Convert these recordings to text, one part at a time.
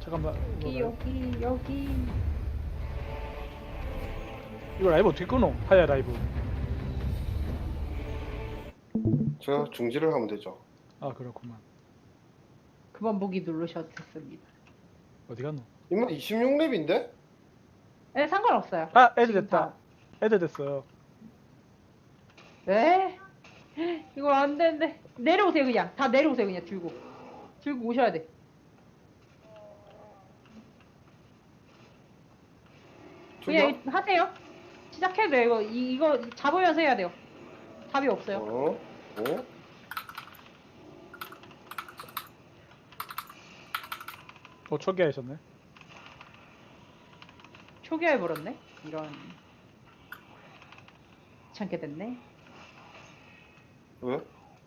잠깐만. 여기. 이거 라이브 어떻게 끊어? 하야 라이브. 제가 중지를 하면 되죠. 아 그렇구만. 그만 보기 누르셨습니다. 어디 갔노? 이만 26렙인데? 네, 상관없어요. 아 애드 지금 됐다. 다. 애드 됐어요. 네? 이거 안 되는데. 내려오세요, 그냥. 다 내려오세요, 그냥 들고. 들고 오셔야 돼. 그냥 저기요? 하세요. 시작해도 돼요. 이거 잡으면서 해야 돼요. 답이 없어요. 어? 초기화하셨네. 초기화해버렸네? 이런. 귀찮게 됐네. 왜?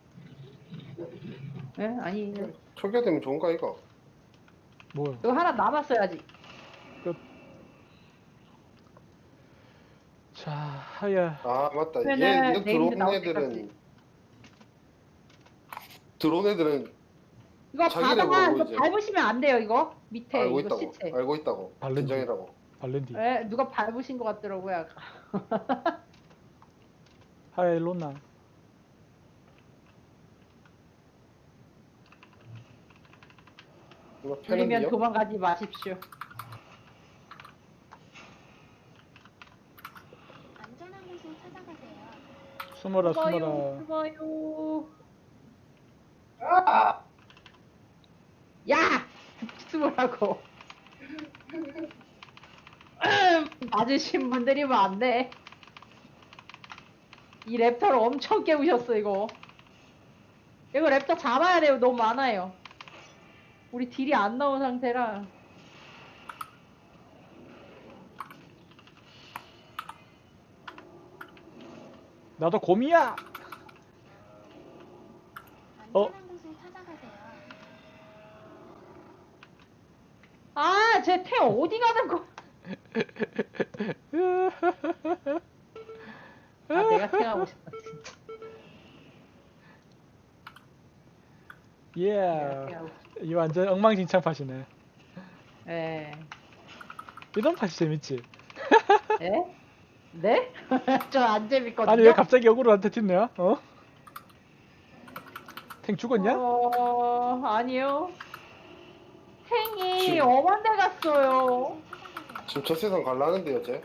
예? 아니, 초기화되면 좋은가 이거? 뭐요? 이거 하나 남았어야지. 자 하야. 아 맞다. 그러면은 얘 네임드 들어온 나올 애들은 이거 자기네 바다가 보고 이거 이제 밟으시면 안 돼요, 이거. 밑에 알고 이거 있다고. 시체. 알고 있다고. 발렌디. 긴장이라고. 발렌디. 예, 누가 밟으신 것 같더라고요, 아까. 하야 일로 온나? 이거 들리면 패는데요? 도망가지 마십시오. 안전한 곳으로 찾아가세요. 숨어라 숨어요, 숨어라. 숨어요. 야! 숨으라고. 맞으신 분들이면 안 돼. 이 랩터를 엄청 깨우셨어, 이거. 이거 랩터 잡아야 돼요. 너무 많아요. 우리 딜이 안 나온 상태라. 나도 곰이야. 안전한 곳으로 찾아가세요. 아, 쟤 태 어디 가는 거? 아, 내가 태하고 싶다, 진짜. 예. 내가 태하고 싶다. 이 완전 엉망진창 팟이네. 예. 이런 팟이 재밌지. 예? 네? 저 안 재밌거든요. 아니 왜 갑자기 역으로한테 튀냐? 어? 탱 죽었냐? 아니요. 탱이 지금- 엄한 데 갔어요. 찾아가세요. 지금 저 세상 갈라는데요, 쟤?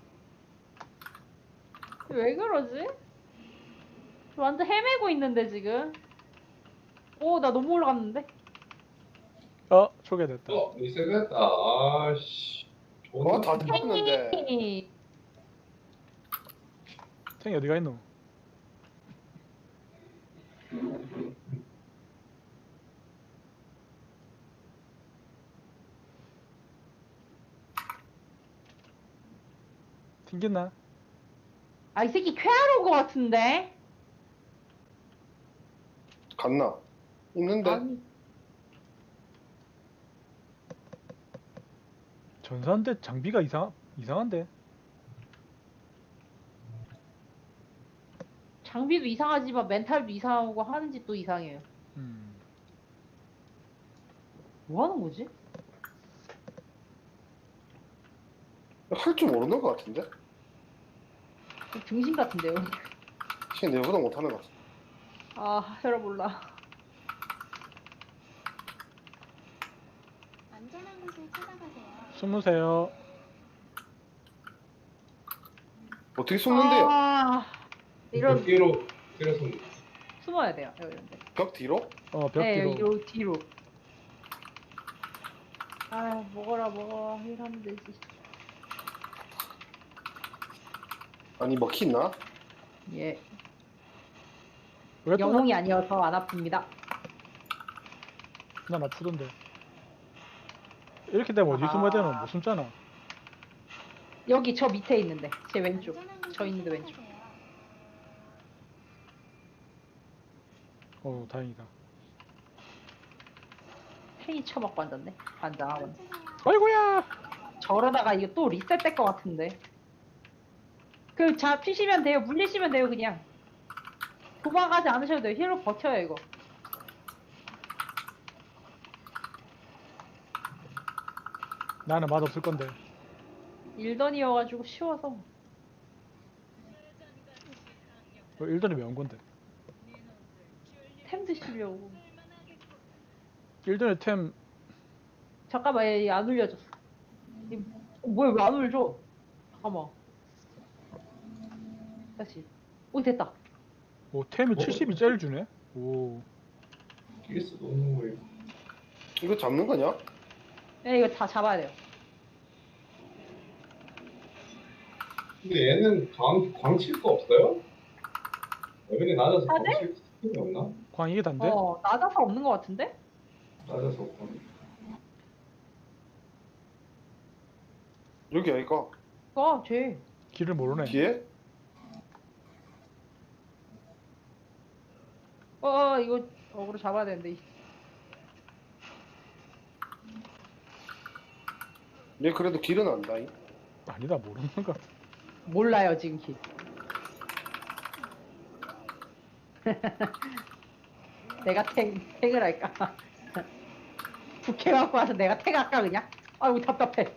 왜 그러지? 저 완전 헤매고 있는데, 지금. 오, 나 너무 올라갔는데? 초기화됐다. 리셋했다. 아씨. 다 됐는데. 탱이. 탱이 어디가 있노? 튕겼나? 아, 이 새끼 쾌하러 온 것 같은데? 갔나? 있는데? 아니, 전사인데 장비가 이상한데? 장비도 이상하지만 멘탈도 이상하고 하는 짓도 이상해요. 뭐 하는 거지? 할 줄 모르는 것 같은데? 등신 같은데요? 쟤 내보다 못하는 것 같아. 아, 혈압 몰라. 안전한 곳으로 찾아가세요. 숨으세요. 어떻게 숨는데요? 아, 이런 뒤로 숨. 숨어야 돼요. 이런 데. 벽 뒤로? 벽 네, 뒤로. 뒤로. 아, 먹어. 이러면 되지. 아니 먹히나? 예. 왜 또 영웅이 아니어서 안 아픕니다. 난 아프던데. 이렇게 되면 어디 숨어야 되노? 못 숨잖아. 여기 저 밑에 있는데. 제 왼쪽. 안전한 곳으로 저 있는데 왼쪽. 찾아가세요. 다행이다. 팽이 쳐먹고 앉았네. 반장하고. 멈추세요. 아이고야! 저러다가 이거 또 리셋될 것 같은데. 잡히시면 돼요. 물리시면 돼요, 그냥. 도망가지 않으셔도 돼요. 힐로 버텨요, 이거. 나는 맛없을 건데. 일던이어가지고 쉬워서. 일던이 왜 온 건데? 템 드시려고. 일던의 템 잠깐만, 얘 안 올려줬어. 뭐야, 왜 안 올려줘? 잠깐만. 다시. 오, 됐다. 오, 템이 어? 70이 주네? 오. 길수 없는 거예요. 이거 잡는 거냐? 네, 이거 다 잡아야 돼요. 근데 얘는 광칠 거 없어요? 레벨이 낮아서 아, 네? 광칠 스킬이 없나? 광 이게 단데? 낮아서 없는 것 같은데? 낮아서 없구나. 여기 아이가 쟤. 길을 모르네. 뒤에? 이거 어그로 잡아야 되는데. 얘 그래도 길은 안다잉. 아니다, 모르는 것 같아. 몰라요, 지금 키. 내가 탱을 할까? 부캐 갖고 와서 내가 탱 할까, 그냥? 아이고, 답답해.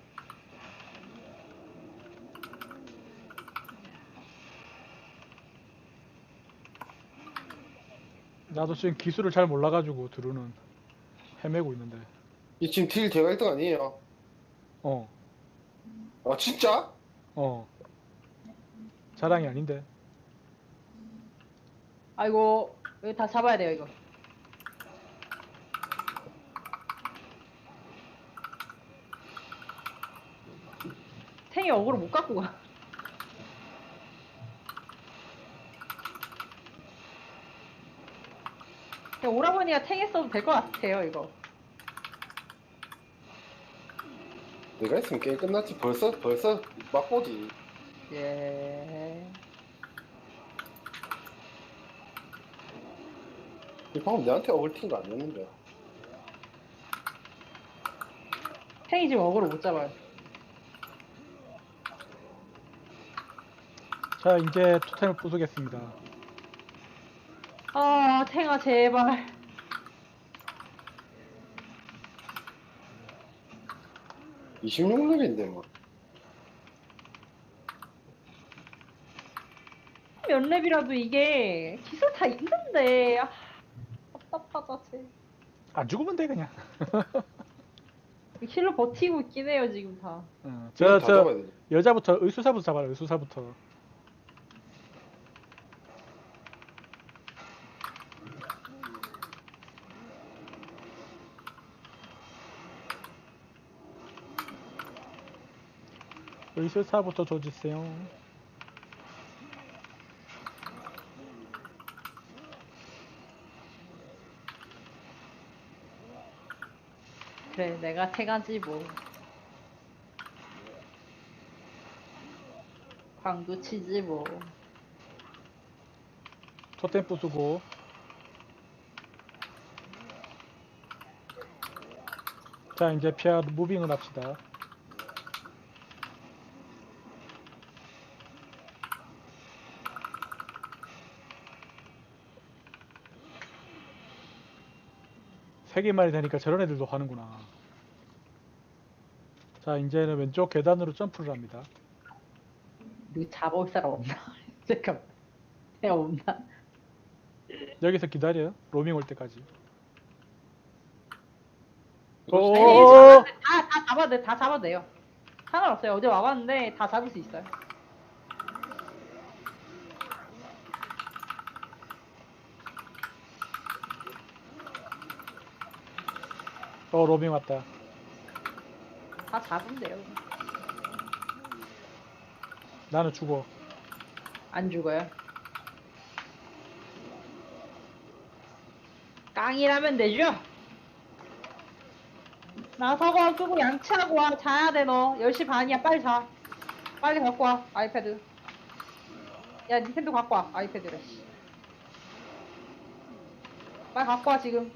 나도 지금 기술을 잘 몰라가지고 드루는 헤매고 있는데. 이 지금 딜 제가 1등 아니에요. 어, 아 진짜? 어. 자랑이 아닌데. 아이고, 여기 다 잡아야 돼요, 이거. 탱이 어그로 못 갖고 가. 그냥 오라버니가 탱 했어도 될 것 같아요, 이거. 내가 했으면 게임 끝났지. 벌써 맛보지. 예. 이 방금 내한테 어글틴 거 아니었는데. 탱이 지금 어그로 못 잡아요. 자, 이제 토템을 부수겠습니다. 아, 탱아, 제발. 이 26렙인데 뭐. 몇 렙이라도 이게 기술 다 있는데. 답답하다, 쟤. 안 죽으면 돼, 그냥. 힐로 버티고 있긴 해요, 지금 다. 어, 다 잡아야 돼. 여자부터, 의수사부터 잡아라, 의수사부터. 의술사부터 조지세요. 그래, 내가 태가지 뭐. 광도 치지 뭐. 토템 부수고. 자, 이제 피아 무빙을 합시다. 세 개만이 되니까 저런 애들도 하는구나. 자, 이제는 왼쪽 계단으로 점프를 합니다. 이거 잡아올 사람 없나? 잠깐만. 내가 없나? 여기서 기다려요. 로밍 올 때까지. 이거 오, 아니, 다 잡아도 돼, 다 잡아도 돼요. 상관없어요. 어제 와봤는데 다 잡을 수 있어요. 로밍 왔다. 다 잡으면 돼요. 나는 죽어. 안 죽어요. 깡이라면 되죠? 나 서거 끄고 양치하고 와. 자야 돼, 너. 10시 반이야. 빨리 자. 빨리 갖고 와. 아이패드. 야, 닌텐도 갖고 와. 아이패드를. 씨. 빨리 갖고 와, 지금.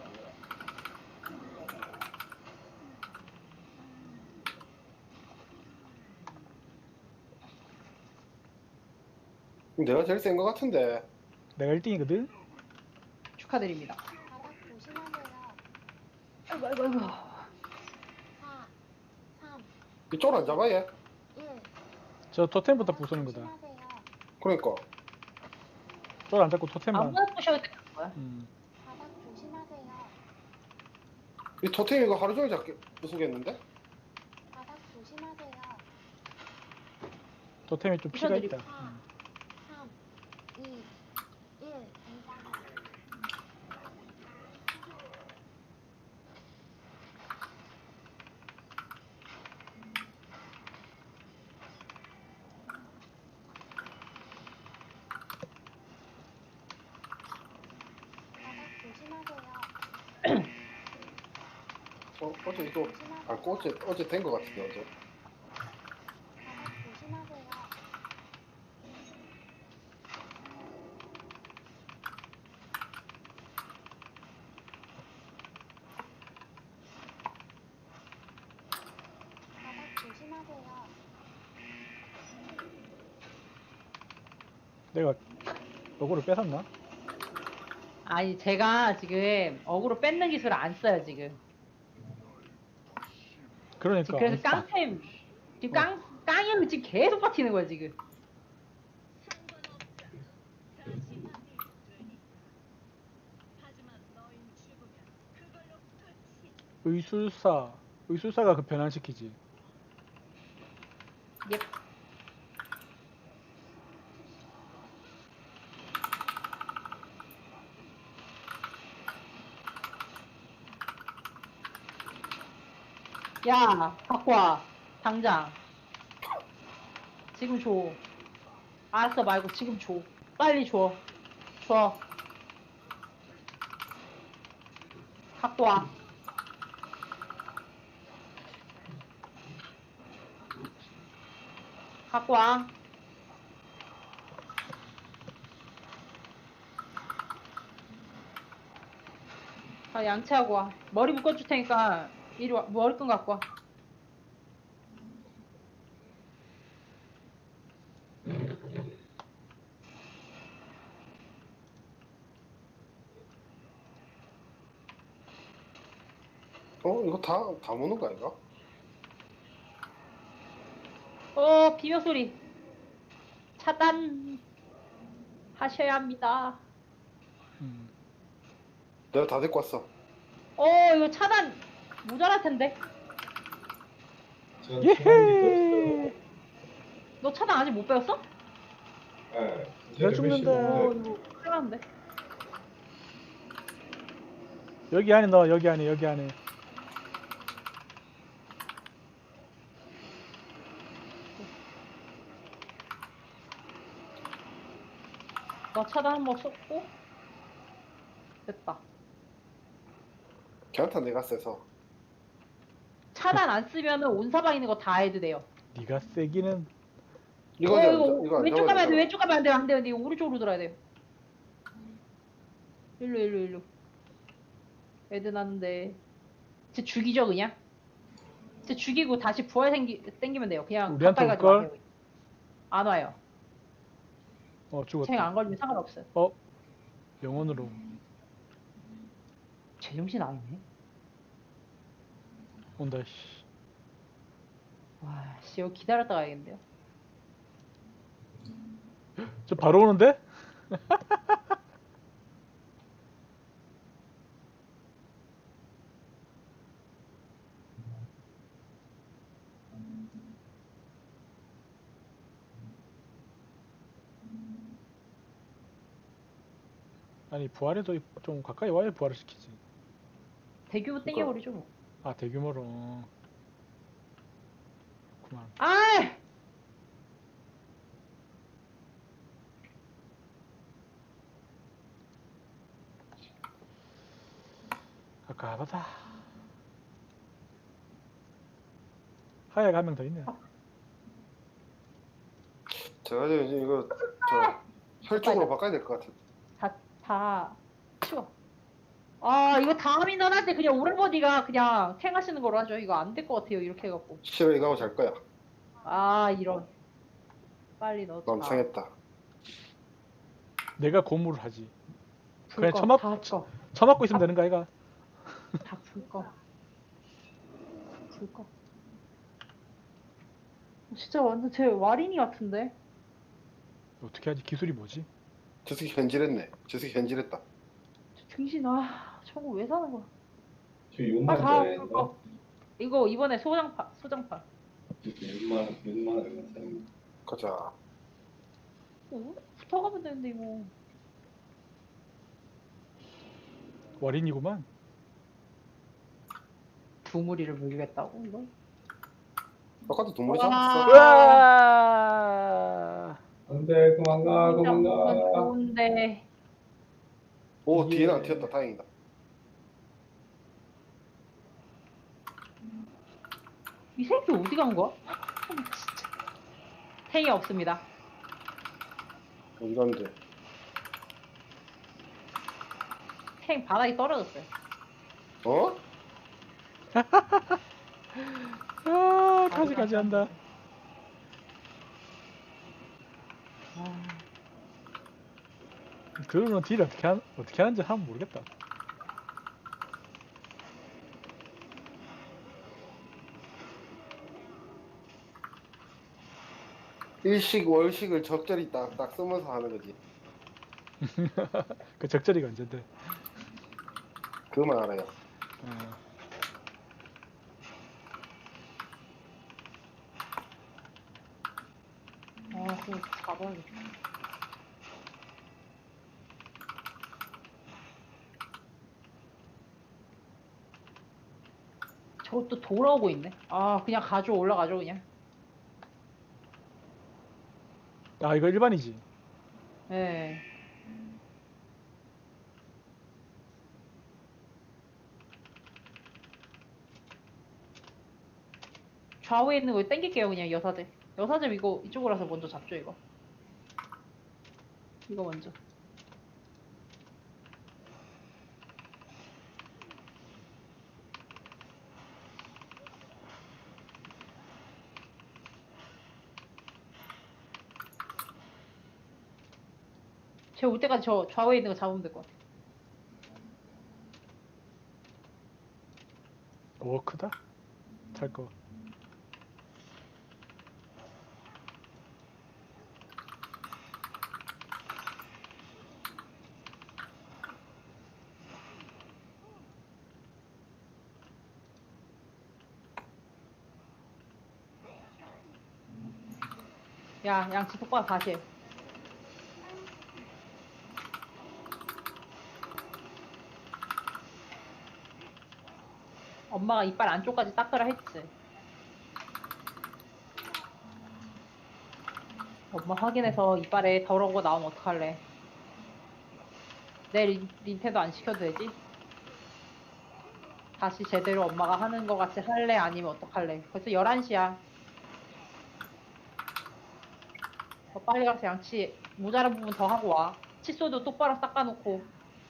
내가 제일 센 거 같은데. 내가 1등이거든? 축하드립니다. 바닥 조심하세요. 아이고, 아이고, 아이고. 4, 3, 이쪽 안 잡아 얘? 1. 저 토템부터 부수는 거다. 조심하세요. 그러니까 쫄 안 잡고 토템만. 아무나 부셔도 되는 거야. 바닥 조심하세요. 이 토템 이거 하루 종일 잡게 부수겠는데? 바닥 조심하세요. 토템이 좀 피가 부셔드리고. 있다. 3, 2, 1. 바닥 조심하세요. 어제 이거 어제 된 거 같은데 어제. 바닥 조심하세요. 바닥 조심하세요. 내가 요거를 뺏었나? 아니 제가 지금 어그로 뺏는 기술을 안 써요 지금. 그러니까. 그래서 깡템 지금 깡이면 지금 계속 버티는 거야 지금. 의술사가 그 변환시키지. 예. 야, 갖고 와. 당장. 지금 줘. 알았어 말고 지금 줘. 빨리 줘. 줘. 갖고 와. 갖고 와. 아, 양치하고 와. 머리 묶어줄 테니까 이리 와. 머리끈 갖고 와. 이거 다 무는 거 아닌가? 비명 소리. 차단 하셔야 합니다. 음. 내가 다 데리고 왔어. 이거 차단 모자랄 텐데. 제가 예헤. 너 차단 아직 못 배웠어? 네. 내가 죽는다. 이거 큰일 났는데. 여기 안에 넣어. 여기 안에. 너 차단 한번 썼고. 됐다. 걔한테 내가 세서. 차단 안 쓰면은 온 사방 있는 거 다 해도 돼요. 네가 세기는. 이거 안 왼쪽 가면 안 돼. 잡아야 왼쪽 가면 안 돼. 안 돼. 이거 오른쪽으로 돌아야 돼요. 일로. 애들 났는데. 쟤 죽이죠 그냥. 쟤 죽이고 다시 부활 땡기면 돼요. 그냥 우리한테 가까이 가지 올걸? 마세요. 안 와요. 죽었다. 쟤안 걸리면 상관없어요. 영혼으로. 제정신 아니네. 온다. 씨. 와, 씨, 이거 기다렸다 가야겠는데요. 저 바로 오는데? 아니 부활해도 좀 가까이 와야 부활을 시키지. 대규모 땡겨버리죠 뭐. 아 대규모로. 그만. 아! 가까하다. 하야가 한 명 더 있네. 제가 이제 이거 혈쪽으로 바꿔야 될 것 같아. 다 치워. 이거 다음 인원할 때 그냥 오른버디가 그냥 탱하시는 걸로 하죠. 이거 안 될 것 같아요. 이렇게 해갖고. 싫어 이거 하고 잘 거야. 이런. 빨리 넣자. 마음 상했다. 내가 고무를 하지. 불 그냥 꺼, 처맞- 다 꺼. 처맞고 있으면 되는 거 아이가? 다 불 꺼. 불 꺼. 진짜 완전 제 와린이 같은데. 어떻게 하지? 기술이 뭐지? 저 새끼 현질했네. 저 새끼 현질했다. 저 등신 저거 왜 사는 거야? 저 아 6만 다 짜리 불 거? 거. 이거 이번에 소장판. 6만 얼마 짜리? 가자. 붙어가면 되는데 이거. 와린이구만. 두무리를 물겠다고 이거? 아까도 동물이 와. 잡았어. 으아! 안돼 그만 가 그만 진짜 가. 좋은데. 오, 예. 뒤에는 안 튀었다. 다행이다. 이 새끼 어디 간 거야? 진짜. 탱이 없습니다. 어디 갔는데? 탱 바닥에 떨어졌어요. 어? 아, 가지가지 한다. 아, 그러면 딜 어떻게 하는지 한번 모르겠다. 일식 월식을 적절히 딱딱 쓰면서 하는 거지. 그 적절히가 언젠데. 그만 알아요. 어. 그거 잡아야겠다. 저것도 돌아오고 있네. 아, 그냥 올라가죠, 그냥. 아, 이거 일반이지. 예. 좌우에 있는 거 땡길게요, 그냥 여사제. 여사제 이거 이쪽으로 와서 먼저 잡죠, 이거. 이거 먼저. 쟤 올 때까지 저 좌우에 있는 거 잡으면 될 것 같아. 오, 크다. 탈 거. 야, 양치 똑바로 다시 해. 엄마가 이빨 안쪽까지 닦으라 했지. 엄마 확인해서 이빨에 더러운 거 나오면 어떡할래? 내 린테도 안 시켜도 되지? 다시 제대로 엄마가 하는 거 같이 할래? 아니면 어떡할래? 벌써 11시야. 더 빨리 가서 양치 모자란 부분 더 하고 와. 칫솔도 똑바로 닦아놓고.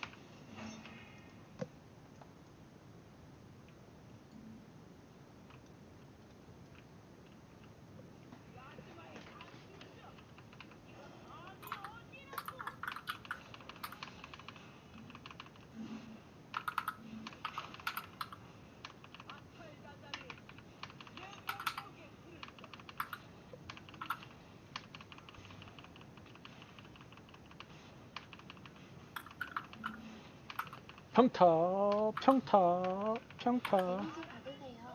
평타, 평타, 평타. 데미지 받으세요.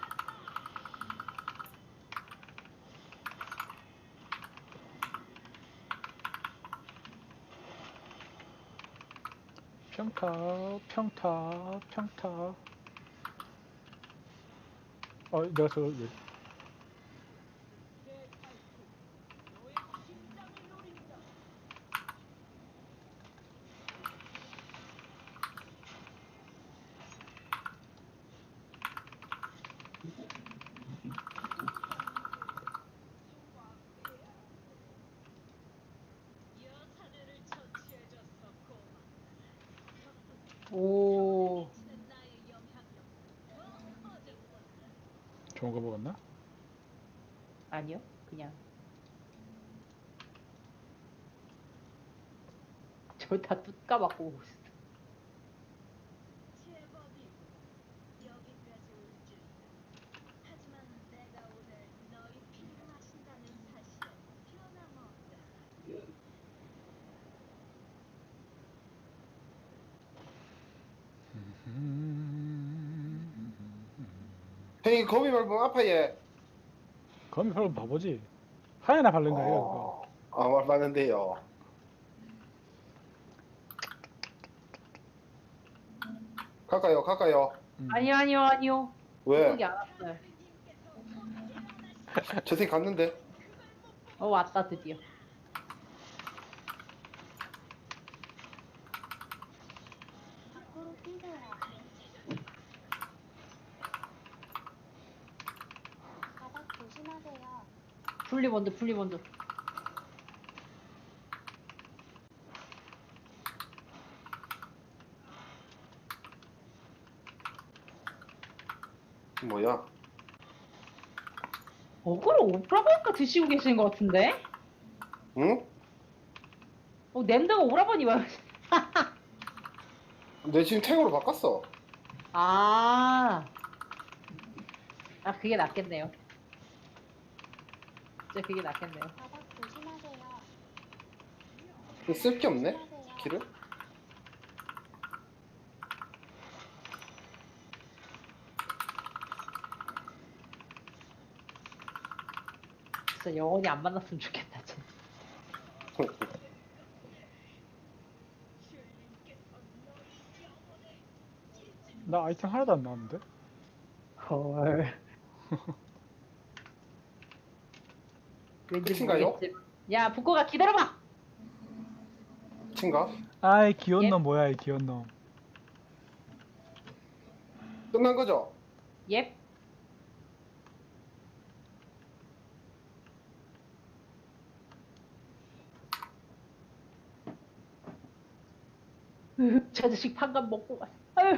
평타, 평타, 평타. 내가 오. 좋은 거 먹었나? 아니요. 그냥. 저 다 뚜까맣고 오고 있어. 형이 거미 밟으면 아파 얘. 거미 별로 바보지. 하얀에 바른 거 아니야 그거. 말 봤는데요. 갈까요? 아니요, 아니요, 아니요. 왜? 여기 안 왔어요. 채팅 갔는데? 왔다, 드디어. 밖으로 뛰세요. 바닥 조심하세요. 분리본드. 뭐야? 그걸 오라버니까 드시고 계시는 것 같은데? 응? 냄새가 오라버니 말. 내 지금 탱으로 바꿨어. 그게 낫겠네요. 진짜 그게 낫겠네요. 바닥 조심하세요. 쓸 게 없네? 조심하세요. 길을? 진짜 영원히 안 만났으면 좋겠다, 진짜. 나 아이템 하나도 안 나왔는데? 헐. 왠지 끝인가요? 모르겠지. 야, 북고가 기다려봐! 친가? 아이 귀여운 예? 놈 뭐야 이 귀여운 놈. 끝난 거죠? 옙. 저 자식 판간 먹고 갔어. 아유.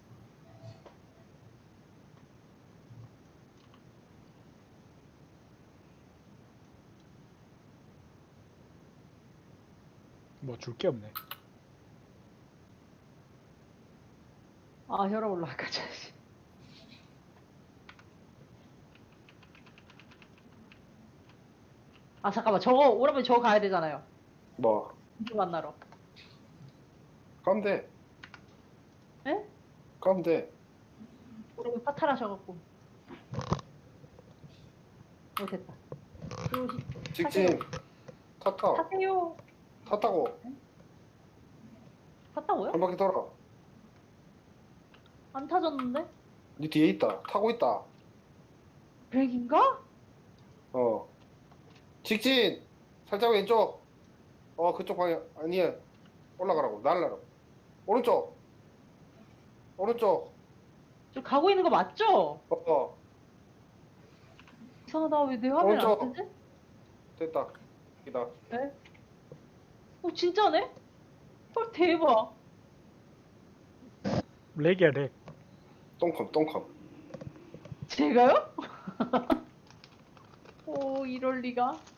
뭐 줄 게 없네. 혈압 올라갈까, 자식. 잠깐만. 오라버니 저거 가야 되잖아요. 뭐? 누구 만나러. 가면 돼. 에? 가면 돼. 오라버니 파탈하셔갖고. 됐다. 직진. 탔다. 타세요. 탔다고. 탔다고요? 한 바퀴 돌아. 안 타졌는데? 네 뒤에 있다. 타고 있다. 백인가? 직진. 살짝 왼쪽. 그쪽 방향. 아니야. 올라가라고. 날라라. 오른쪽. 저 가고 있는 거 맞죠? 이상하다. 왜 내 화면 안 오른쪽. 뜨지? 됐다. 이다. 네? 진짜네? 헐, 대박. 렉이야 렉. 똥컴. 제가요? 이럴 리가.